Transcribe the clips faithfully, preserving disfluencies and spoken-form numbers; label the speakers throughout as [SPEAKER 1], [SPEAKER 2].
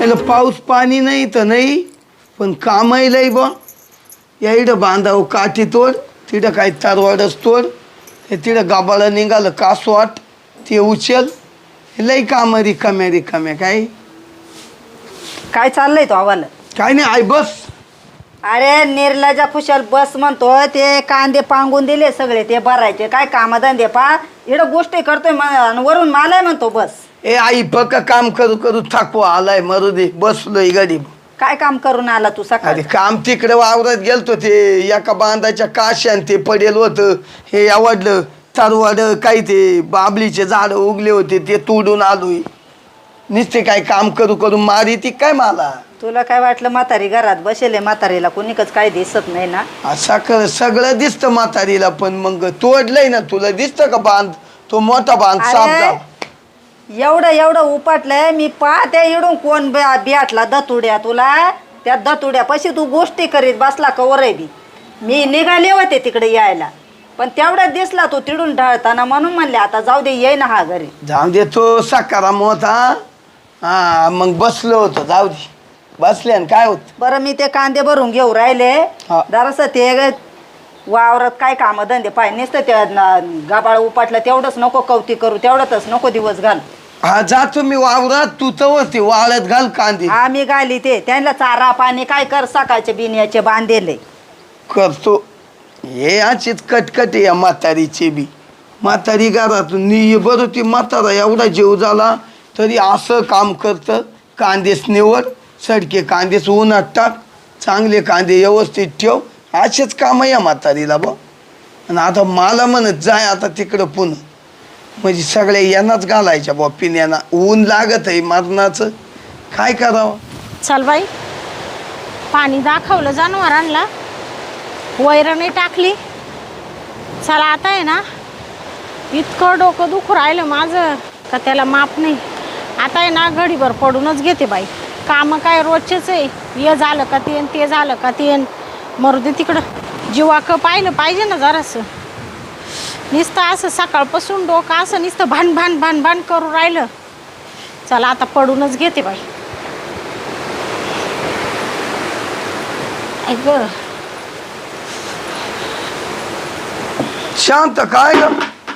[SPEAKER 1] आईला पाऊस पाणी नाही तर नाही पण कामाई लई बा या इडं बांधावं काठी तोड तिथं काही तारवाडच तोड हे तिथं गाबाळं निघालं कासवाट ते उचल लई काम रिकाम्या रिकाम्या काय
[SPEAKER 2] काय चाललंय तो आव्हाल?
[SPEAKER 1] काय नाही आई बस.
[SPEAKER 2] अरे निर्लजा खुशाल बस म्हणतो ते कांदे पांगून दिले सगळे ते भरायचे काय कामधंदे पा इकडं गोष्टी करतोय म- वरून मालाय म्हणतो बस.
[SPEAKER 1] ए आई बघ काम करू करू थकवा आलाय मरू दे बसलोय गरीब.
[SPEAKER 2] काय काम करून आला तू
[SPEAKER 1] अरे
[SPEAKER 2] सकाळी?
[SPEAKER 1] काम तिकडे वावरात गेलतो ते एका बांधाच्या काश्यान ते पडेल होतं हे आवडलं तरवाड काही ते बाबलीचे झाड उगले होते ते तोडून आलोय. नुसते काय काम करू करू मारी ती काय मला.
[SPEAKER 2] तुला काय वाटलं म्हातारी घरात बसेले म्हातारीला कोणीकच काय दिसत नाही ना?
[SPEAKER 1] असं सगळं दिसतं म्हातारीला पण मग तोडलंय ना तुला दिसतं का बांध तो मोठा बांध साफ
[SPEAKER 2] अरे,
[SPEAKER 1] झाला.
[SPEAKER 2] एवढं एवढं उपटलंय मी पाहते इडून कोण बियाटला दतुड्या तुला त्या दतुड्यापाशी तू गोष्टी करीत बसला कवर बी मी निघाले होते तिकडे यायला पण तेवढ्यात दिसला तो तिडून ढळताना म्हणून म्हणले आता जाऊ दे ये ना हा घरी.
[SPEAKER 1] जाऊ दे तो सकाराम होता हा मग बसलो होतो जाऊ दे बसले आणि काय होत.
[SPEAKER 2] बरं मी ते कांदे भरून घेऊ राहिले
[SPEAKER 1] हा.
[SPEAKER 2] जरासं ते वावरात काय काम धंदे पाय नुसतं ते गाबाळ उपटलं तेवढंच नको कवती करू तेवढंच नको दिवस घाल.
[SPEAKER 1] हा जातो मी वावरात तू तर होती वाळत घाल कांदे
[SPEAKER 2] हा मी घाली ते त्यांना चारा पाणी काय कर सकाळचे बिनियाचे बांधेले
[SPEAKER 1] करतो. हे अशीच कटकट या म्हातारीचे बी म्हातारी घरातून नि बरं ती म्हातारा एवढा जीव झाला तरी असं काम करतं. कांदेच निवड सडके कांदेच उन्हात टाक चांगले कांदे व्यवस्थित ठेव असेच काम या म्हातारीला बा. आणि आता मला म्हणत जाय आता तिकडं पुन्हा म्हणजे सगळ्या यांनाच घालायच्या बा पिण्याना ऊन लागत आहे मरणाचं काय करावं.
[SPEAKER 3] चल बाई पाणी दाखवलं जनावरांना वैरणी टाकली. चला आता आहे ना इतकं डोकं दुखू राहिलं माझं का त्याला माप नाही. आता आहे ना घडीभर पडूनच घेते बाई. कामं काय रोजचेच आहे हे झालं का ते ते झालं का ते मरू दे तिकडं. जीवाक पाहिलं पाहिजे ना जरासं. नुसतं असं सकाळपासून डोकं असं नुसतं भान भान भान भान करू राहिलं. चला आता पडूनच घेते बाई. ऐक
[SPEAKER 1] शांत काय ग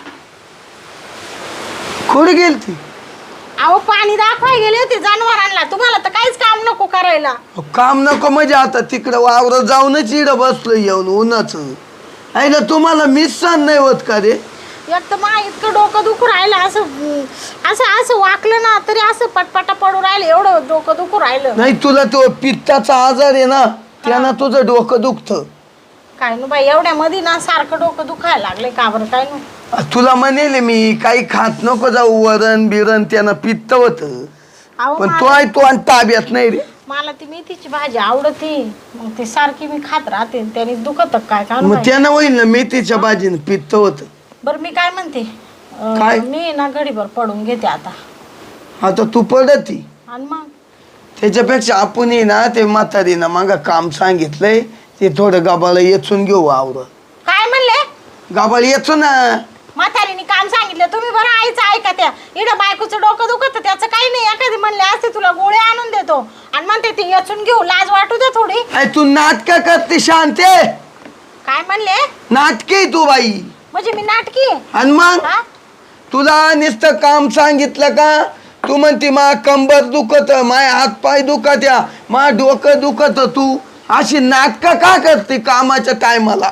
[SPEAKER 1] कुठे गेली ती?
[SPEAKER 3] अहो पाणी दाखवाय गेले होते जनावरांना. तुम्हाला तर काहीच काम नको करायला.
[SPEAKER 1] काम नको म्हणजे आता तिकडं वावरात जाऊनच इडं बसलो येऊन उन्हाचं आहे ना. तुम्हाला मिस सण नाही होत का रे?
[SPEAKER 3] एक तर मा इतकं डोकं दुखू राहिलं असं असं असं वाकलं ना तरी असं पटपटा पडू राहिलं एवढं डोकं दुखू राहिलं.
[SPEAKER 1] नाही तुला तो पित्ताचा आजार आहे ना त्यानं तुझं डोकं दुखतं. काय
[SPEAKER 3] नु बाई एवढ्या मध्ये ना सारखं डोकं दुखायला लागले का बरं काय नु.
[SPEAKER 1] तुला म्हणेल मी काही खात नको जाऊ वरण बिरण त्यानं पित्त होत पण तो आहे तो आणि ताब्यात नाही रे.
[SPEAKER 3] मला ती मेथीची भाजी आवडते मग ती सारखी मी खात राहते त्याने दुखत काय का
[SPEAKER 1] मग त्यानं होईल ना मेथीच्या भाजीनं पित्त होत.
[SPEAKER 3] बरं मी काय म्हणते अं,
[SPEAKER 1] काय?
[SPEAKER 3] मी ना घडीभर पडून घेते आता.
[SPEAKER 1] आता तू पडती
[SPEAKER 3] आणि मग
[SPEAKER 1] त्याच्यापेक्षा आपण ना ते म्हातारीनं मागा काम सांगितलंय ते थोडं गाबाला येचून घेऊ आवर.
[SPEAKER 3] काय म्हणले?
[SPEAKER 1] गाबाला येचू ना.
[SPEAKER 3] म्हातारीने काम सांगितलं तुम्ही बरं आईचं ऐका त्या इकडं बायकोचं डोकं दुखत त्याचं काही नाही. एखादी म्हणले असते तुला गोळे आणून देतो आणि म्हणते ती येचून घेऊ लाज वाटू दे थोडी.
[SPEAKER 1] अरे तू नाटक करते शांते.
[SPEAKER 3] काय म्हणले?
[SPEAKER 1] नाटके तू बाई
[SPEAKER 3] म्हणजे मी नाटकी आहे?
[SPEAKER 1] आणि मग
[SPEAKER 3] हा?
[SPEAKER 1] तुला नुसतं काम सांगितलं का तू म्हणती मा कंबर दुखत माय हात पाय दुखत या मा डोकं दुखत तू अशी नाटकं का करते कामाच्या टायमाला?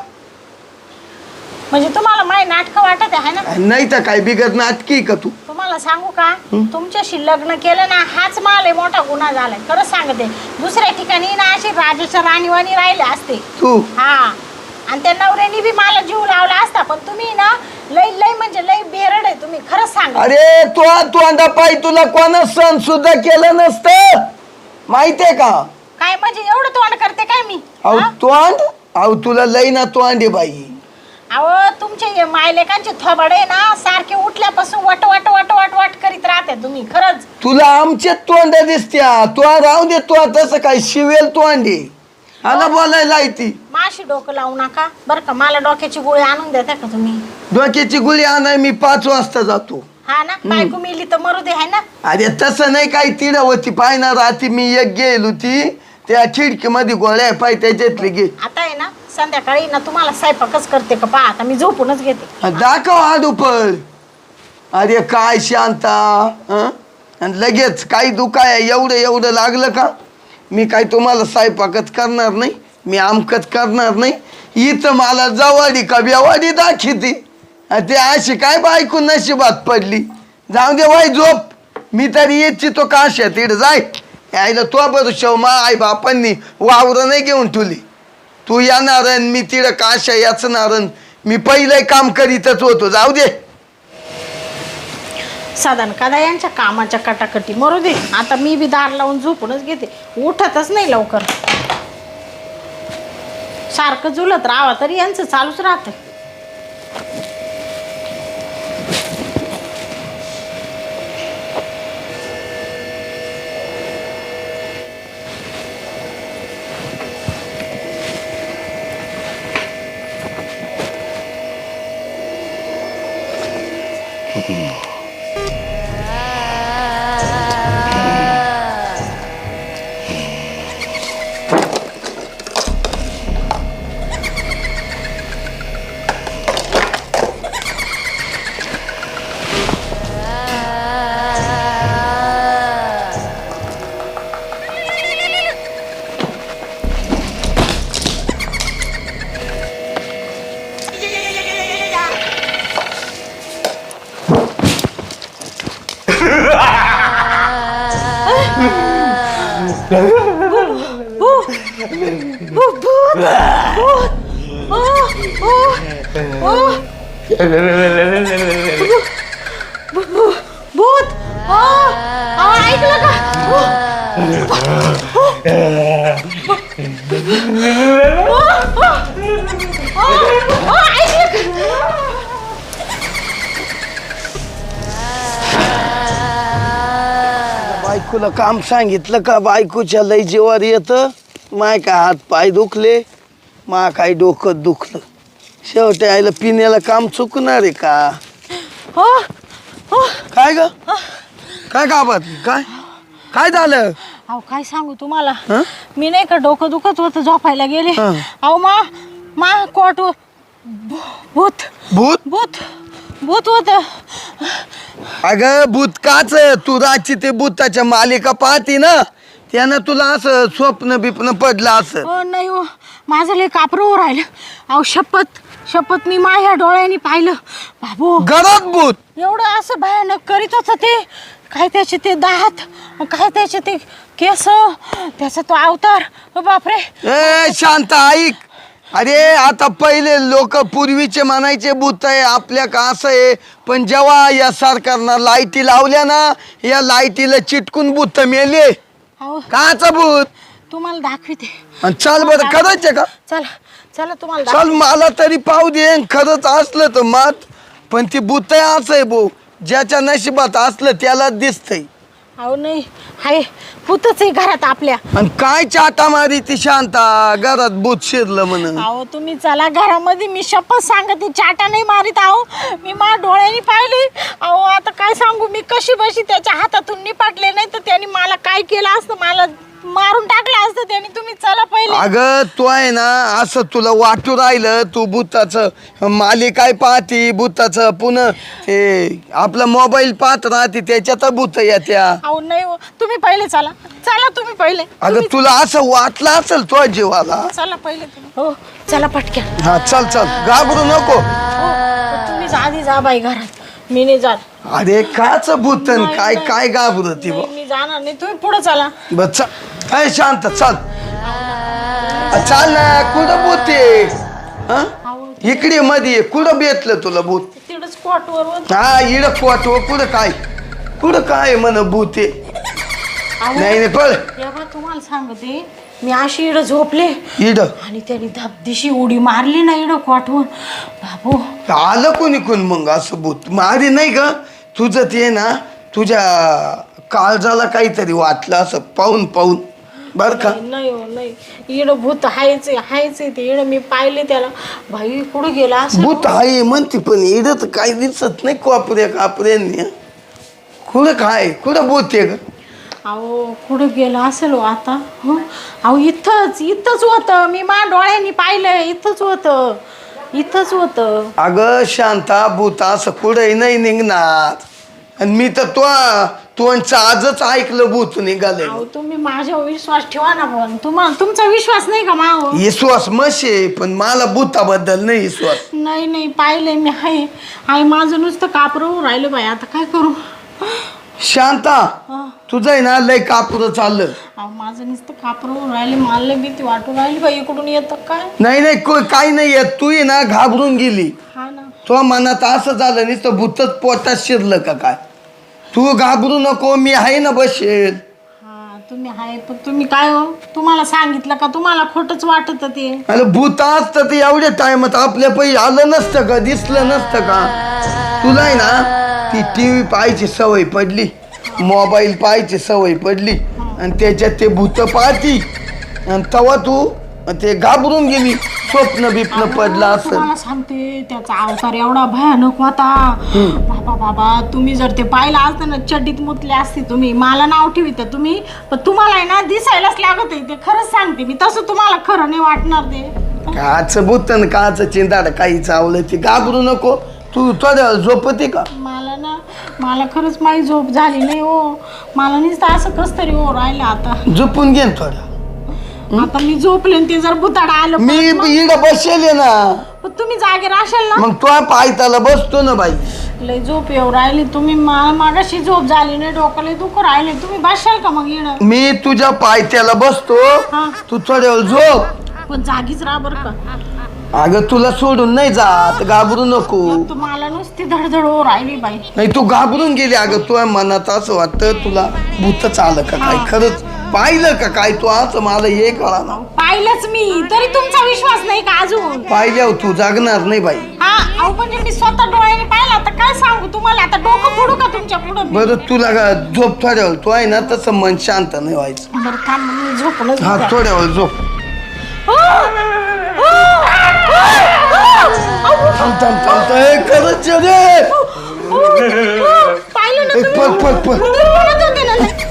[SPEAKER 3] म्हणजे तुम्हाला माय नाटक वाटत आहे ना?
[SPEAKER 1] नाही तर काय बिगत नाटकी का तू?
[SPEAKER 3] तुम्हाला सांगू का तुमच्याशी लग्न केलं ना हाच माल मोठा गुन्हा झालाय. खरंच सांगते दुसऱ्या ठिकाणी ना अशी राजाच्या राणीवाणी राहिले असते
[SPEAKER 1] तू
[SPEAKER 3] हा आणि त्या नवऱ्यानी बी मला जीव लावला असता पण तुम्ही ना लई लई म्हणजे लई बेरड आहे तुम्ही. खरंच सांग.
[SPEAKER 1] अरे तू तोंडा पायी तुला कोणा सण सुद्धा केलं नसतं माहितीये का?
[SPEAKER 3] काय म्हणजे एवढं तोंड करते काय मी?
[SPEAKER 1] अहो तोंड अहो तुला लई ना तोंडे बाई.
[SPEAKER 3] अहो तुमचे मायलेकांचे थोबाडे ना सारखे उठल्यापासून वट वट वट वट वट करीत राहते तुम्ही. खरंच
[SPEAKER 1] तुला आमचे तोंड दिसत्या तू राहू दे तू तसं काय शिवेल तोंडे आला बोलायला ती.
[SPEAKER 3] माशी डोकं लावू नका बरं का. मला डोक्याची गोळी आणून देता का तुम्ही?
[SPEAKER 1] डोक्याची गुळी आणाय मी पाच वाजता जातो.
[SPEAKER 3] हा ना बायको मिली तर मरू दे आहे ना.
[SPEAKER 1] अरे तसं नाही काही तिड होती पाहिना रात्री मी एक गेल होती त्या खिडकीमध्ये गोळ्या पाय त्याच्यातली घे.
[SPEAKER 3] आता आहे ना संध्याकाळी ना तुम्हाला स्वयंपाकच करते का पहा आता मी झोपूनच घेते.
[SPEAKER 1] दाखव आडूपळ. अरे काय शांता हं? आणि लगेच काही दुखाय एवढं एवढं लागलं का मी काय तुम्हाला स्वयंपाकच करणार नाही मी आमकच करणार नाही. इथं मला जवाडी का बेवाडी दाखिती ते अशी काय बायको नशिबात पडली. जाऊ दे वाय झोप मी तरी येत तो काशा तिड जाय यायला तो बरं शव मा आई बापांनी वावरं नाही घेऊन ठुली. तू येणार मी तिड काशा याचणार मी पहिलं काम करीतच होतो. जाऊ दे
[SPEAKER 3] साधारण कादा यांच्या कामाच्या कटाकटी मरू दे. आता मी बी दार लावून झोपूनच घेते उठतच नाही लवकर. सारखं झुलत राहावं तरी यांचं चालूच राहतं. भूत ऐकलं का.
[SPEAKER 1] बायकोला काम सांगितलं का बायकोच्या लय जीवावर येतं. माय काय हात पाय दुखले मा काय डोकं दुखलं. शेवटी आईला पिण्याला काम चुकणार आहे का.
[SPEAKER 3] हो हो
[SPEAKER 1] काय ग काय गावात काय काय झालं.
[SPEAKER 3] अहो काय सांगू तुम्हाला
[SPEAKER 1] हं?
[SPEAKER 3] मी नाही का डोकं दुखत होतं झोपायला गेले.
[SPEAKER 1] हं.
[SPEAKER 3] अहो मा मा कोट भूत
[SPEAKER 1] भूत
[SPEAKER 3] भूत भूत होत.
[SPEAKER 1] अगं भूत काच तू रातची ते भूताच्या मालिका पाहती ना त्यानं तुला असं स्वप्न बिप्न पडलं असं.
[SPEAKER 3] हो नाही हो माझं लय कापरू राहिलं. अहो शपथ शपथ मी माझ्या डोळ्यांनी पाहिलं बाबू
[SPEAKER 1] घरात भूत.
[SPEAKER 3] एवढं असं भयानक करीत होतं ते. काय त्याचे ते दात काय त्याचे ते केस त्याचा तो अवतार बापरे.
[SPEAKER 1] ए शांत ऐक. अरे आता पहिले लोक पूर्वीचे म्हणायचे भूत आहे आपल्या का असं आहे पण जेव्हा या सरकारनं लाईटी लावल्या ना या लाईटीला चिटकून भूत मेले.
[SPEAKER 3] अहो
[SPEAKER 1] काचा भूत.
[SPEAKER 3] तुम्हाला दाखविते.
[SPEAKER 1] आणि चाल बरं करायचे का.
[SPEAKER 3] चला चला तुम्हाला
[SPEAKER 1] चल मला तरी पाहू दे खरंच असलं तर मात पण ती भूत आहे असं आहे भाऊ ज्याच्या नशिबात असलं त्याला दिसतंय.
[SPEAKER 3] अहो नाही हाय भूतच आहे घरात आपल्या.
[SPEAKER 1] आणि काय चाटा मारी ती शांता घरात भूत शिरलं म्हणून.
[SPEAKER 3] अहो तुम्ही चला घरामध्ये मी शपथ सांगते चाटा नाही मारीत. अहो मी माझ्या डोळ्यांनी पाहिली. अहो आता काय सांगू मी कशी बशी त्याच्या हातातून निपाटले नाही तर त्यांनी मला काय केलं असतं मला मारून टाकलं असतं त्यांनी. तुम्ही चला पहिले.
[SPEAKER 1] अगं तू आहे ना असं तुला वाटू राहिलं तू भूताचं मालिकाय पाहती भूताचं पुन्हा ते आपला मोबाईल पाहत राहते त्याच्यात भूत येत्या.
[SPEAKER 3] अहो नाही हो तुम्ही पहिले चला चला तुम्ही पहिले.
[SPEAKER 1] अगं तुला असं वाटलं असेल तो जीवाला.
[SPEAKER 3] चला पहिले तुम्ही. हो चला पटक्या.
[SPEAKER 1] हा चल चल घाबरू नको.
[SPEAKER 3] हो तुम्ही आधी जा बाई घरात मी नाही जात.
[SPEAKER 1] अरे काच भूतन काय काय घाबरती
[SPEAKER 3] नाही, मी जाणार नाही तुम्ही पुढे चला.
[SPEAKER 1] बस चल. अय शांत चल चाल ना कुठं भूत आहे हं? इकडे मध्ये कुठं बेतलं तुला भूत.
[SPEAKER 3] तिकडच स्पॉटवर होत.
[SPEAKER 1] हा इड वाटव कुठं काय कुठं काय म्हण भूत आहे. नाही नाही पळ
[SPEAKER 3] तेव्हा तुम्हाला सांगते मी अशी इड झोपले
[SPEAKER 1] इड
[SPEAKER 3] आणि त्यांनी धबदिशी उडी मारली ना इड कोठवून बाबू.
[SPEAKER 1] आलं कोणी कोण मग असं भूत मारी नाही ग तुझं ते ना तुझ्या काळजाला काहीतरी वाटलं असं पाहून पाहून बर का.
[SPEAKER 3] नाही हो नाही इड भूत हायच हायच ते इड मी पाहिले त्याला. भाई कुठं गेला असं?
[SPEAKER 1] भूत आहे म्हणते पण इडत काही दिसत नाही कोपऱ्या कापऱ्यांनी. कुठं काय कुठं भूत आहे ग?
[SPEAKER 3] अहो कुठं गेला असेल हो आता? हं? अहो इथंच इथंच होतं, मी मा डोळ्यांनी पाहिलं, इथंच होतं इथंच होतं.
[SPEAKER 1] अगं शांता भूत असं कुठंही नाही निघणार. आणि मी तर तो तोंडचं आजच ऐकलं भूत निघाले.
[SPEAKER 3] अहो तुम्ही माझ्यावर विश्वास ठेवा ना. पण तुम्हाला तुमचा विश्वास नाही का माव?
[SPEAKER 1] विश्वास मशे पण मला भूताबद्दल नाही विश्वास.
[SPEAKER 3] नाही नाही पाहिलंय मी. हाय हाय माझं नुसतं कापरं राहिलं बाई. आता काय करू?
[SPEAKER 1] शांता
[SPEAKER 3] हा.
[SPEAKER 1] तुझं आहे ना लय कापुरं चाललं.
[SPEAKER 3] अहो माझं नुसतं कापरं राहिले. मला लय भीती वाटू राहिली बाई. इकडून येतं काय?
[SPEAKER 1] नाही नाही को- काही नाही येत. तू आहे ना घाबरून गेली.
[SPEAKER 3] हा ना.
[SPEAKER 1] तुझ्या मनात असं झालं नुसतं भूतच पोटात शिरलं का काय? तू घाबरू नको, मी आहे ना बसेल.
[SPEAKER 3] हा तुम्ही आहे पण तुम्ही काय हो? तुम्हाला सांगितलं का? तुम्हाला खोटंच वाटत ते?
[SPEAKER 1] अरे भूत असतं ते एवढ्या टायमात आपल्या पैसे आलं नसतं का? दिसलं नसतं का? तुला आहे ना ती टी व्ही पाहायची सवय पडली, मोबाईल पाहायची सवय पडली आणि त्याच्यात ते भूत पाहती आणि तेव्हा तू ते घाबरून गेली. स्वप्न बिप्न पडलं असं.
[SPEAKER 3] तुम्हाला सांगते त्याचा अवतार एवढा भयानक होता. बाबा बाबा तुम्ही जर ते पाहिलं असतं ना चड्डीत मुतले असते तुम्ही. मला नाव ठेवित तुम्ही पण तुम्हाला आहे ना दिसायलाच लागत आहे ते. खरंच सांगते मी. तसं तुम्हाला खरं नाही वाटणार ते.
[SPEAKER 1] काच भूत न काच चिंताड काही चावलं ते. घाबरू नको. तू थोड्या झोपते का?
[SPEAKER 3] मला ना मला खरंच माझी झोप झाली नाही हो. मला नुसतं असं कस तरी हो राहिलं आता.
[SPEAKER 1] झोपून घे ना थोडा.
[SPEAKER 3] आता मी झोपले आणि ते जर बुताडा आलं
[SPEAKER 1] मी
[SPEAKER 3] परत मग-
[SPEAKER 1] इकडं बसेल आहे ना.
[SPEAKER 3] पण तुम्ही जागे राहशाल ना?
[SPEAKER 1] मग तो पायताला बसतो ना बाई.
[SPEAKER 3] लय झोप येऊ राहिली. तुम्ही मला मागाशी झोप झाली नाही. डोकं दुख राहिले. तुम्ही बसशाल का मग येणं?
[SPEAKER 1] मी तुझ्या पायथ्याला बसतो.
[SPEAKER 3] हा.
[SPEAKER 1] तू थोड्या वेळ झोप.
[SPEAKER 3] पण जागीच राहा बरं का.
[SPEAKER 1] अगं तुला सोडून नाही जात. घाबरू नको.
[SPEAKER 3] तुम्हाला नुसती धडधड हो राहिली बाई.
[SPEAKER 1] नाही तू घाबरून गेली. अगं तुझ्या मनात असं वाटतं तुला भूतच आलं का काय? खरंच पाहिलं का काय? तू असं मला हे कळा ना.
[SPEAKER 3] पाहिलंच मी तरी तुमचा विश्वास नाही का अजून?
[SPEAKER 1] पाहिल्यावर तू जागणार नाही बाई.
[SPEAKER 3] हा अहो म्हणजे मी स्वतः डोळ्याने पाहिलं. आता काय सांगू तुम्हाला? आता डोकं फोडू का तुमच्या पुढं?
[SPEAKER 1] बरं तुला का झोप थोड्या वेळ. तू आहे ना तसं मन शांत नाही व्हायचं.
[SPEAKER 3] बरं थांब मी झोपणच
[SPEAKER 1] हा
[SPEAKER 3] घेते.
[SPEAKER 1] थोड्या वेळ झोप. थांब थांब थांब. ए, खरंच आहे रे.
[SPEAKER 3] पाहिलं ना
[SPEAKER 1] ए,
[SPEAKER 3] तुम्ही?
[SPEAKER 1] पळ पळ पळ.
[SPEAKER 3] तुम्ही म्हणत होते ना लय.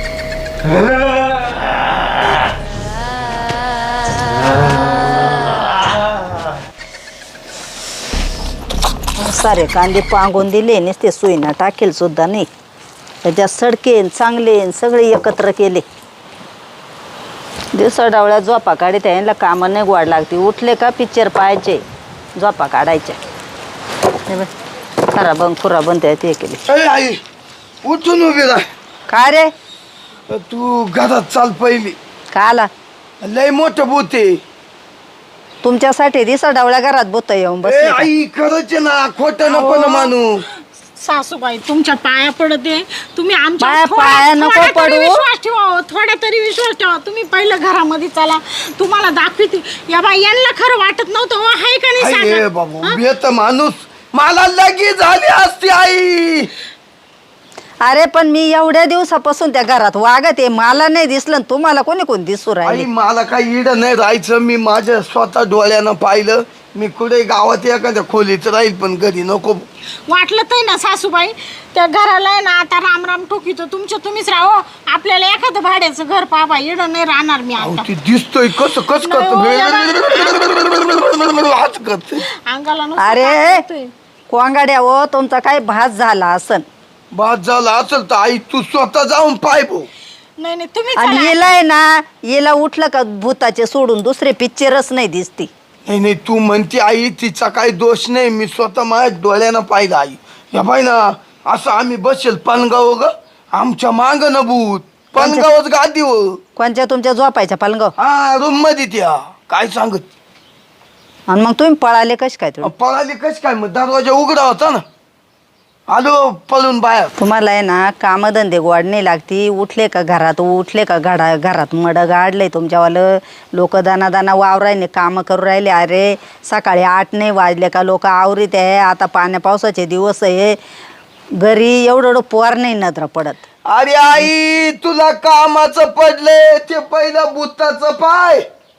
[SPEAKER 2] सारे कांदे पांगून दिले नुसते सुईना टाकेल सुद्धा नाही. त्याच्यात सडकेन चांगले सगळे एकत्र केले. दिवसा डावळ्या झोपा काढीत यांना कामं नाही गोड लागते. उठले का पिक्चर पाहायचे, झोपा काढायच्या. हे बघ, खरा बंद खुरा बंद ते केली.
[SPEAKER 1] ए, आई उठून उभी राह.
[SPEAKER 2] का रे?
[SPEAKER 1] तू घरात चाल पहिली.
[SPEAKER 2] का आला?
[SPEAKER 1] लय मोठं भूत आहे.
[SPEAKER 2] तुमच्यासाठी दिसा डावळ्या घरात बोत येऊन
[SPEAKER 1] ए
[SPEAKER 2] बसले का?
[SPEAKER 1] आई खरंच आहे ना. खोटं नको ना मानू.
[SPEAKER 3] सासूबाई तुमच्या पाया पडते. तुम्ही आमच्या
[SPEAKER 2] पाया-
[SPEAKER 3] थोडा-
[SPEAKER 2] पाया नको
[SPEAKER 3] थोडा तरी
[SPEAKER 2] पडू.
[SPEAKER 3] विश्वास ठेवा हो. थोडा तरी विश्वास ठेवा. तुम्ही पहिलं घरामध्ये चला. तुम्हाला दाखविते. या बाई यांना खरं वाटत नव्हतं हो. हाय का नाही
[SPEAKER 1] आई ए
[SPEAKER 3] सांगा?
[SPEAKER 1] बाबू
[SPEAKER 3] हा?
[SPEAKER 1] बेत माणूस मला लगेच झाली असती आई.
[SPEAKER 2] अरे पण मी एवढ्या दिवसापासून त्या घरात वागत आहे. मला नाही दिसलं आणि तुम्हाला कोणी कोण दिसू
[SPEAKER 1] आई
[SPEAKER 2] राहिले?
[SPEAKER 1] मला काही इड नाही राहायचं. मी माझ्या स्वतः डोळ्यानं पाहिलं. मी कुठे गावात एखाद्या खोलीत राहील पण घरी नको.
[SPEAKER 3] वाटलं तर ना सासूबाई त्या घराला आहे ना आता राम राम ठोकीतो. तुमच्या तुम्हीच राहो. आपल्याला एखादं भाड्याचं घर पाहा. येणं नाही राहणार मी
[SPEAKER 1] अहो,
[SPEAKER 3] आता.
[SPEAKER 1] ती दिसतोय कसं कस
[SPEAKER 3] नाही हो,
[SPEAKER 1] हात करते.
[SPEAKER 3] अंगाला नुसतं
[SPEAKER 2] अरे
[SPEAKER 3] ताप येतोय.
[SPEAKER 2] कोंगाड्या हो, तुमचा काय भास झाला असन.
[SPEAKER 1] बाद झाला असेल तर आई तू स्वतः जाऊन पाय भाऊ.
[SPEAKER 3] नाही नाही तुम्ही
[SPEAKER 2] आणि
[SPEAKER 3] चला.
[SPEAKER 2] येलाय ना, येला उठलं का भूताचे सोडून दुसरे पिक्चरच नाही दिसती.
[SPEAKER 1] नाही नाही तू म्हणते आई तिचा काही दोष नाही. मी स्वतः माझ्या डोळ्यानं पाहिलं आई. या बाई ना असं आम्ही बसेल पलंगाव ग. आमच्या मांग न भूत पलंगावच गादी हो.
[SPEAKER 2] कोणच्या तुमच्या झोपायच्या पालगाव?
[SPEAKER 1] हा रूम मध्ये त्या काय सांगत.
[SPEAKER 2] आणि मग तुम्ही पळाले कश काय? तुम्ही
[SPEAKER 1] पळाली कस काय? मग दरवाजा उघडा होता ना. आलो पळून बाहेर.
[SPEAKER 2] तुम्हाला आहे ना कामधंदे गोड नाही लागती. उठले का घरात उठले का घडा घरात मड गाडले तुमच्यावालं. लोक दाना दाना वावरायने कामं करू राहिले. अरे सकाळी आठ नाही वाजले का लोक आवरीत आहे. आता पाण्या पावसाचे दिवस आहे. घरी एवढं एवढं पोर नाही नजर पडत.
[SPEAKER 1] अरे आई तुला कामाचं पडले ते पहिलं भूताचं पाय.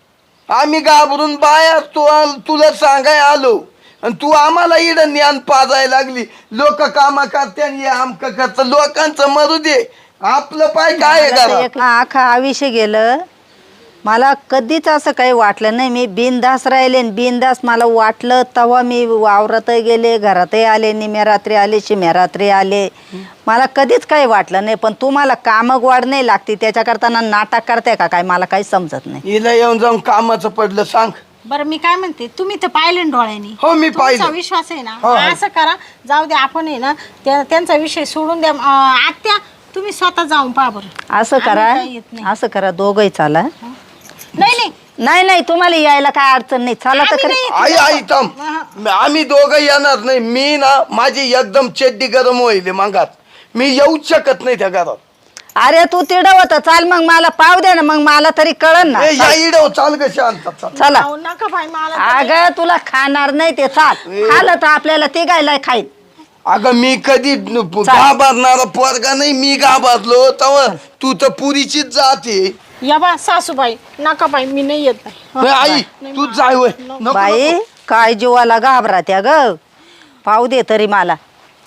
[SPEAKER 1] आम्ही घाबरून बाहेर तू तुला सांगाय आलो आणि तू आम्हाला इड ज्ञान पाजायला लागली. लोक कामा करते आणि आमक करत लोकांचं मरू दे आपलं पाय काय आहे घरात.
[SPEAKER 2] एक आखा आयुष्य गेलं मला कधीच असं काही वाटलं नाही. मी बिनधास राहिले बिनधास मला वाटलं तेव्हा मी वावरातही गेले घरातही आले निम्या रात्री आले शिम्या रात्री आले मला कधीच काही वाटलं नाही. पण तुम्हाला कामं गोड नाही लागते त्याच्याकरता नाटक करते का काय मला काही समजत नाही.
[SPEAKER 1] हिला येऊन जाऊन कामाचं पडलं सांग.
[SPEAKER 3] बरं मी काय म्हणते तुम्ही तर पाहिलं ना डोळ्यांनी.
[SPEAKER 1] हो मी पाहिलं.
[SPEAKER 3] तुमचा विश्वास आहे ना
[SPEAKER 1] हो, हो.
[SPEAKER 3] असं करा जाऊ दे आपण आहे ना त्या- त्यांचा विषय सोडून द्या. अं, आत्या तुम्ही स्वतः जाऊन पहा बरं.
[SPEAKER 2] असं
[SPEAKER 3] आम्ही
[SPEAKER 2] करा
[SPEAKER 3] काही येत नाही.
[SPEAKER 2] असं करा दोघंही चाला.
[SPEAKER 3] नाही नाही
[SPEAKER 2] नाही नाही तुम्हाला यायला काय अडचण नाही चाला तर
[SPEAKER 3] आम्ही
[SPEAKER 2] खरं.
[SPEAKER 3] नाही.
[SPEAKER 1] आई आई थांब आम्ही दोघं येणार नाही. मी ना माझी एकदम चड्डी गरम होईल मागात मी येऊच शकत नाही त्या घरात.
[SPEAKER 2] अरे तू तिड होत चाल मग मला पाव दे ना मग मला तरी कळन ना.
[SPEAKER 1] ए, या इडव चाल ग शांत चाल.
[SPEAKER 2] चला
[SPEAKER 3] अहो, नका बाई मला
[SPEAKER 2] अगं तुला खाणार नाही ते चाल खाल्लं तर आपल्याला ते गायला खाईल.
[SPEAKER 1] अगं मी कधी घाबरणारा पोरगा नाही. मी घाबरलो तव तू तर पुरीचीच जाते.
[SPEAKER 3] या बा सासूबाई नका बाई मी नाही येत बाई.
[SPEAKER 1] नाही, आई तू जाय होय. नको,
[SPEAKER 2] बाई
[SPEAKER 1] नको.
[SPEAKER 2] काय जीवाला घाबरा त्या ग पाव दे तरी मला.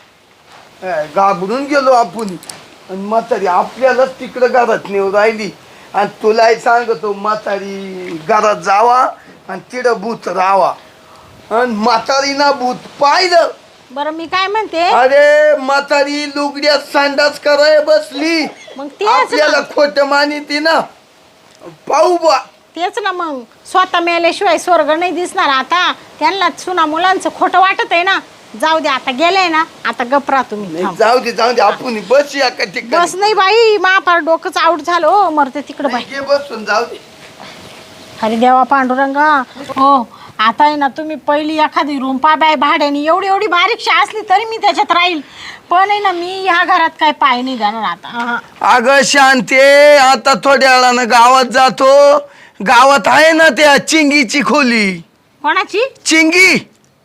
[SPEAKER 1] ए, घाबरून गेलो आपण आणि म्हातारी आपल्यालाच तिकडं घरात नेऊ राहिली आणि तुलाही सांगतो म्हातारी घरात जावा आणि तिकडं भूत राहावा आणि म्हातारी ना भूत पाहिलं.
[SPEAKER 3] बरं मी काय म्हणते
[SPEAKER 1] अरे म्हातारी लुगड्यात संडास कराय बसली
[SPEAKER 3] मग तेच
[SPEAKER 1] आपल्याला
[SPEAKER 3] ना
[SPEAKER 1] खोट मानिती ना पाहू बा.
[SPEAKER 3] तेच ना मग स्वतः मेल्याशिवाय स्वर्ग नाही दिसणार. आता त्यांना सुना मुलांचं खोटं वाटत आहे ना. जाऊ दे आता गेले ना आता गपरा तुम्ही
[SPEAKER 1] नाही,
[SPEAKER 3] थांब.
[SPEAKER 1] जाऊ दे जाऊ दे आपण बस या का ठिकाणी.
[SPEAKER 3] बस नाही बाई महापार डोकंच आउट झालं हो मरते तिकडं बाई.
[SPEAKER 1] नाही, घे बसून जाऊ दे.
[SPEAKER 3] अरे देवा पांडुरंगा हो आता आहे ना तुम्ही पहिली एखादी रूम पा बाय भाड्याने एवढी एवढी बारीकशी असली तरी मी त्याच्यात राहील. पण आहे ना मी ह्या घरात काय पाय नाही जाणार आता. अहं.
[SPEAKER 1] अगं शांते आता थोड्या वेळानं गावात जातो. गावात आहे ना त्या चिंगीची खोली.
[SPEAKER 3] कोणाची
[SPEAKER 1] चिंगी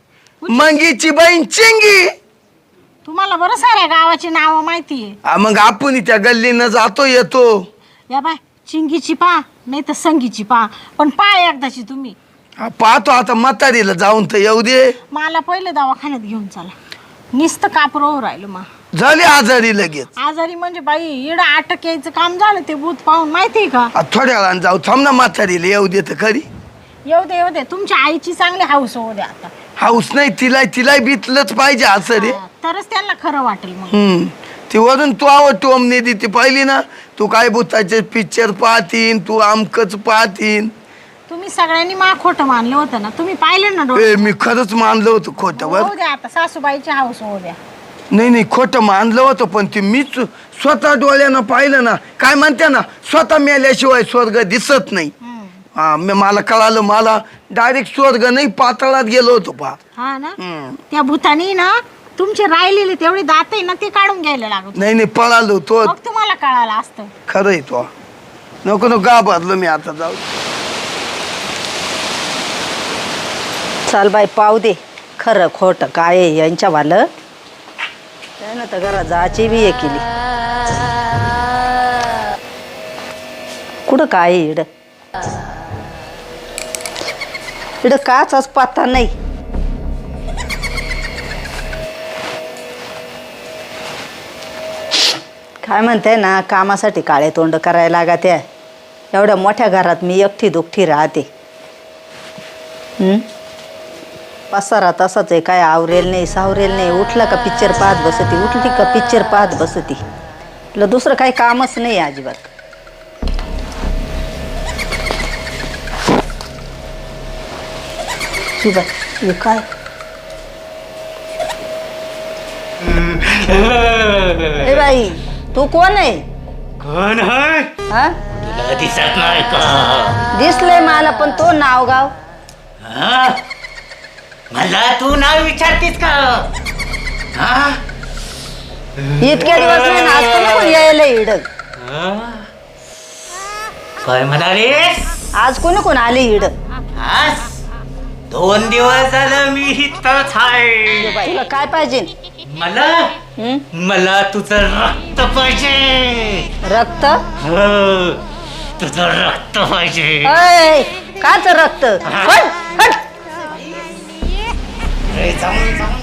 [SPEAKER 1] मंगीची बहीण चिंगी.
[SPEAKER 3] तुम्हाला बरं साऱ्या गावाची नावं माहिती आहे.
[SPEAKER 1] आ, मग आपण त्या गल्लीनं जातो येतो.
[SPEAKER 3] या बाय चिंगीची पा नाही तर संगीची पा पण पा एकदाची तुम्ही.
[SPEAKER 1] आ, पाहतो आता म्हातारीला जाऊन तर येऊ दे.
[SPEAKER 3] मला पहिले दवाखान्यात घेऊन चला. नुसतं कापरो राहिलं मग
[SPEAKER 1] झाली आजारी लगेच.
[SPEAKER 3] आजारी म्हणजे बाई इडं अटक यायचं काम झालं ते भूत पाहून माहितीये का.
[SPEAKER 1] आ, थोड्या वेळानं जाऊ थांब ना म्हातारीला येऊ दे तर खरी.
[SPEAKER 3] येऊ दे येऊ दे तुमच्या आईची चांगली हाऊस होऊ द्या आता.
[SPEAKER 1] हाऊस नाही तिला तिला बितलंच पाहिजे असं रे.
[SPEAKER 3] हा, तरच त्यांना खरं वाटेल मग.
[SPEAKER 1] हम्म ती वरून तू आवड तू अमने ती पाहिली ना तू काय भूताचे पिक्चर पाहतीन तू आमकच पाहतीन.
[SPEAKER 3] तुम्ही सगळ्यांनी मा खोटं मानलं होतं ना तुम्ही पाहिलं ना डोळे.
[SPEAKER 1] ए, मी खरंच मानलं होतं खोटं बर.
[SPEAKER 3] होऊ द्या आता सासूबाईची हाऊस होऊ द्या.
[SPEAKER 1] नाही नाही खोटं मानलं होतं पण ते मीच स्वतः डोळ्यानं पाहिलं ना. काय म्हणते ना स्वतः मेल्याशिवाय स्वर्ग दिसत नाही.
[SPEAKER 3] हम्म.
[SPEAKER 1] हा मी मला कळालं मला डायरेक्ट स्वर्ग नाही पातळात गेलो होतो पा.
[SPEAKER 3] हा ना त्या भूतानी ना तुमचे राहिलेले तेवढे दात आहे ना ते काढून घ्यायला लागत.
[SPEAKER 1] नाही नाही पळालो तो.
[SPEAKER 3] मग तुम्हाला कळालं असतं.
[SPEAKER 1] खरंय तो नको नको घाबरलो मी आता जाऊ.
[SPEAKER 2] चाल बाई पाव दे खरं खोटं काय आहे यांच्यावालं. त्यानं तर घरात जायची बी हे केली. कुठं काय आहे इड इड काच पत्ता नाही. काय म्हणते ना कामासाठी काळे तोंड करायला लागत आहे. एवढ्या मोठ्या घरात मी एकटी दुखटी राहते. हम्म पसारा तसाच आहे काय आवरेल नाही सावरेल नाही. उठला का पिक्चर पाहत बसती उठली का पिक्चर पाहत बसती. तुला दुसरं काही कामच नाही अजिबात. हे काय ए बाई तू कोण आहे.
[SPEAKER 4] कोण आहे
[SPEAKER 2] हा
[SPEAKER 4] तुला दिसत नाही का?
[SPEAKER 2] दिसलंय मला पण तो नाव गाव.
[SPEAKER 4] हा? मला तू नाव विचारतीस का? हा?
[SPEAKER 2] इतके दिवस नाही ना आज कोण यायला इड.
[SPEAKER 4] हा? काय म्हणालीस?
[SPEAKER 2] आज कोणी कोण आले इड.
[SPEAKER 4] आज दोन दिवस झालं मी इथंच आहे.
[SPEAKER 2] तुला काय पाहिजे.
[SPEAKER 4] मला
[SPEAKER 2] हं?
[SPEAKER 4] मला तुझं रक्त पाहिजे.
[SPEAKER 2] रक्त
[SPEAKER 4] हो, तुझं रक्त पाहिजे.
[SPEAKER 2] अय काच रक्त हट, हट.
[SPEAKER 4] ए, जाऊन जाऊन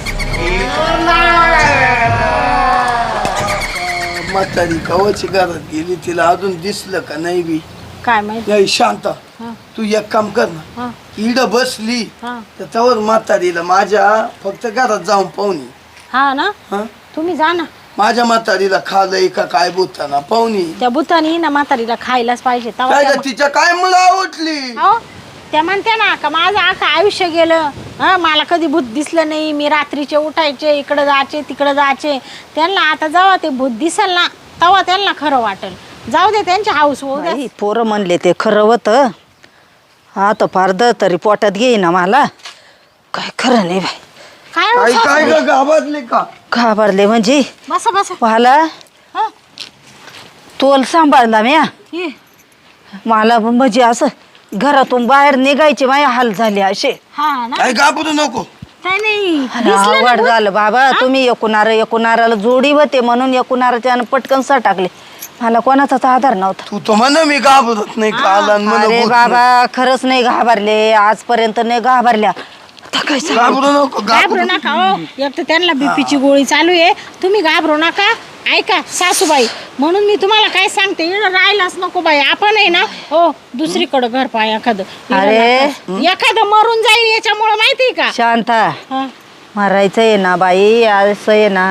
[SPEAKER 1] म्हातारी कवाची घरात गेली तिला अजून दिसलं का नाही बी
[SPEAKER 3] काय माहिती
[SPEAKER 1] नाही शांत
[SPEAKER 3] हा,
[SPEAKER 1] तू एक काम कर ना
[SPEAKER 3] हा,
[SPEAKER 1] इड बसली
[SPEAKER 3] हा.
[SPEAKER 1] तर त्यावर म्हातारीला माझ्या फक्त घरात जाऊन पाहुणी
[SPEAKER 3] हा ना
[SPEAKER 1] हा
[SPEAKER 3] तुम्ही जा ना
[SPEAKER 1] माझ्या म्हातारीला खालंय का काय बोलताना पाहुणी
[SPEAKER 3] त्या भूतानी ना म्हातारीला खायलाच पाहिजे तेव्हा
[SPEAKER 1] काय
[SPEAKER 3] त्या
[SPEAKER 1] का तिच्या काय मुला उठली
[SPEAKER 3] अहो, त्या म्हणते ना का माझं आखं आयुष्य गेलं हा मला कधी भूत दिसलं नाही मी रात्रीचे उठायचे इकडं जायचे तिकडं जायचे त्यांना आता जेव्हा ते भूत दिसेल ना तेव्हा त्यांना खरं वाटेल जाऊ दे त्यांची हाऊस होऊ दे
[SPEAKER 2] बाई, पोरं म्हणले ते खरं होतं आता फार द तरी पोटात घेईना मला काय खरं नाही बाई
[SPEAKER 3] काय हो
[SPEAKER 1] काय काय
[SPEAKER 3] सासूबाई?
[SPEAKER 1] ग घाबरले का
[SPEAKER 2] घाबरले म्हणजे
[SPEAKER 3] बसा बसा
[SPEAKER 2] मला
[SPEAKER 3] हा,
[SPEAKER 2] तोल सांभाळला म्या
[SPEAKER 3] ये.
[SPEAKER 2] मला म्हणजे असं घरातून बाहेर निघायचे माझे हाल झाले असे
[SPEAKER 3] हा ना
[SPEAKER 1] काय घाबरू नको
[SPEAKER 3] काय नाही
[SPEAKER 2] अरे,
[SPEAKER 3] दिसलं ना
[SPEAKER 2] अवघड
[SPEAKER 3] भूत?
[SPEAKER 2] झालं बाबा तुम्ही एकूणारा एकूणाराला जोडी होते म्हणून एकूणाराच्या पटकन सा टाकले मला कोणाचाच आधार नव्हता
[SPEAKER 1] तू तर म्हण मी घाबरत नाही काला
[SPEAKER 2] अरे बाबा खरंच नाही घाबरले आजपर्यंत नाही घाबरल्या आता काय सांगू?
[SPEAKER 1] घाबरू नको
[SPEAKER 3] घाबरू
[SPEAKER 1] घाबरू
[SPEAKER 3] नका हो एक तर त्यांना बीपीची गोळी चालू आहे तुम्ही घाबरू नका ऐका सासूबाई म्हणून मी तुम्हाला काय सांगते इकडं राहायलाच नको बाई आपण आहे ना हो दुसरीकडं घर पाय एखादं इकडं
[SPEAKER 2] अरे.
[SPEAKER 3] नका. एखादं मरून जाईल याच्यामुळे माहितीये का
[SPEAKER 2] शांता
[SPEAKER 3] हा.
[SPEAKER 2] मारायचं आहे ना बाई असं आहे ना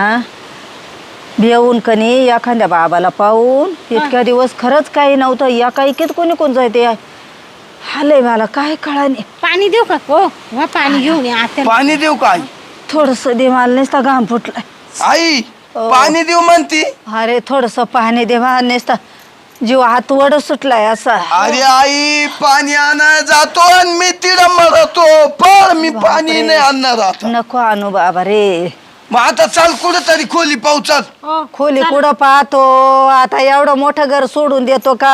[SPEAKER 2] भिवून कनी एखाद्या बाबाला पाहून इतक्या दिवस खरंच काही नव्हतं या काही कित कोणी कोण जायते हालय मला काय कळा नाही
[SPEAKER 3] पाणी देऊ का हो वा पाणी घेऊन या आत्या
[SPEAKER 1] पाणी देऊ काय
[SPEAKER 2] थोडस दे मला नुसता घाम फुटलाय
[SPEAKER 1] आई
[SPEAKER 2] हो.
[SPEAKER 1] पाणी देऊ म्हणती
[SPEAKER 2] अरे थोडस पाणी दे मला नुसता जीव हात वड सुटलाय असा
[SPEAKER 1] अरे आई पाणी आणायला जातो आणि मी तिला मरतो पण मी पाणी नाही आणणार आता
[SPEAKER 2] नको आणू बाबा रे
[SPEAKER 1] मग आता चाल कुठं तरी खोली पावसात
[SPEAKER 3] हो,
[SPEAKER 2] खोली
[SPEAKER 3] चला.
[SPEAKER 2] कुठं पाहतो आता एवढं मोठं घर सोडून देतो का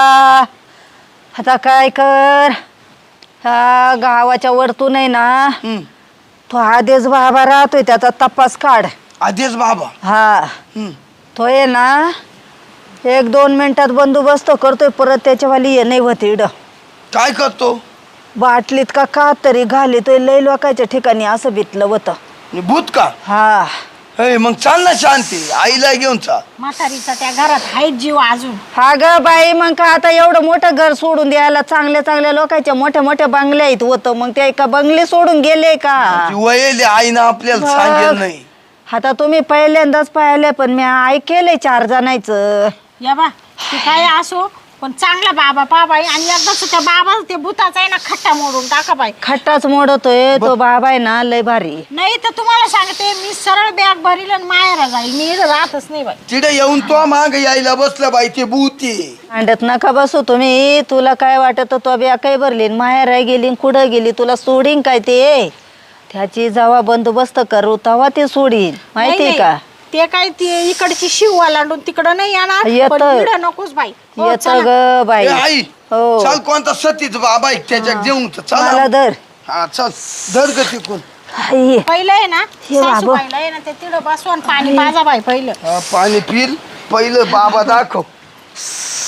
[SPEAKER 2] आता काय कर हा गावाच्या वरतून आहे ना
[SPEAKER 1] हम्म.
[SPEAKER 2] तो आदेश बाबा राहतोय त्याचा तपास काढ
[SPEAKER 1] आदेश बाबा
[SPEAKER 2] हा
[SPEAKER 1] हम्म.
[SPEAKER 2] तो आहे ना एक दोन मिनिटात बंदोबस्त करतोय परत त्याच्यावाली ये नाही होते इड
[SPEAKER 1] काय करतो
[SPEAKER 2] बाटलीत का का तरी घालितोय लय लोकांच्या ठिकाणी असं बितलं होतं
[SPEAKER 1] भूत का
[SPEAKER 2] हा
[SPEAKER 1] हे मग चाल ना शांती आईला घेऊन चाल
[SPEAKER 3] म्हातारीचा त्या घरात आहेत जीव अजून
[SPEAKER 2] हा ग बाई मग का आता एवढं मोठं घर सोडून द्यायला चांगल्या चांगल्या लोकांच्या मोठ्या मोठ्या बंगल्या आहेत होतं मग ते का बंगले सोडून गेले का
[SPEAKER 1] वयले आईनं आपल्याला सांगेल नाही
[SPEAKER 2] आता तुम्ही पहिल्यांदाच पाहिले पण मी ऐकेलंय चार जणांचं
[SPEAKER 3] या बा ते काय असो पण चांगला बाबा पा बाई आणि एकदाच त्या बाबा ते भूताचा आहे ना खट्टा मोडून टाका बाई
[SPEAKER 2] खट्टाच मोडतोय तो बाबा आहे ना लय भारी
[SPEAKER 3] नाही तर तुम्हाला सांगते मी सरळ बॅग भरील आणि माहेरा जाईल मी इथं राहतच नाही बाई
[SPEAKER 1] तिथे येऊन तो माग यायला बसला बाई ते भूती
[SPEAKER 2] अंड्यात नका बसू तुम्ही तुला काय वाटत तो बॅग काय भरली माहेर गेली कुठं गेली तुला सोडीन काय ते त्याची जेव्हा बंदोबस्त करू तेव्हा ते सोडीन माहितीये
[SPEAKER 3] नाही,
[SPEAKER 2] का
[SPEAKER 3] नाही. ते काय ते इकडची शिव लांडून तिकडं नाही येणार
[SPEAKER 2] येतं.
[SPEAKER 3] पण इकडं नकोच बाई हो,
[SPEAKER 2] येत
[SPEAKER 3] चला.
[SPEAKER 2] ग बाई
[SPEAKER 1] ए, आई
[SPEAKER 2] हो
[SPEAKER 1] चाल कोणता सतीच बाबा आहे त्याच्यात जेवून तर
[SPEAKER 2] मला
[SPEAKER 1] चल
[SPEAKER 2] धर
[SPEAKER 1] हा चल धर ग तिकून
[SPEAKER 2] आई,
[SPEAKER 3] पहिलं आहे ना
[SPEAKER 2] हे बाबा.
[SPEAKER 3] सासूबाईला आहे ना ते तिकडं बसवा आणि पाणी पाजा बाई पहिलं
[SPEAKER 1] हा, पाणी पिल पहिलं बाबा दाखव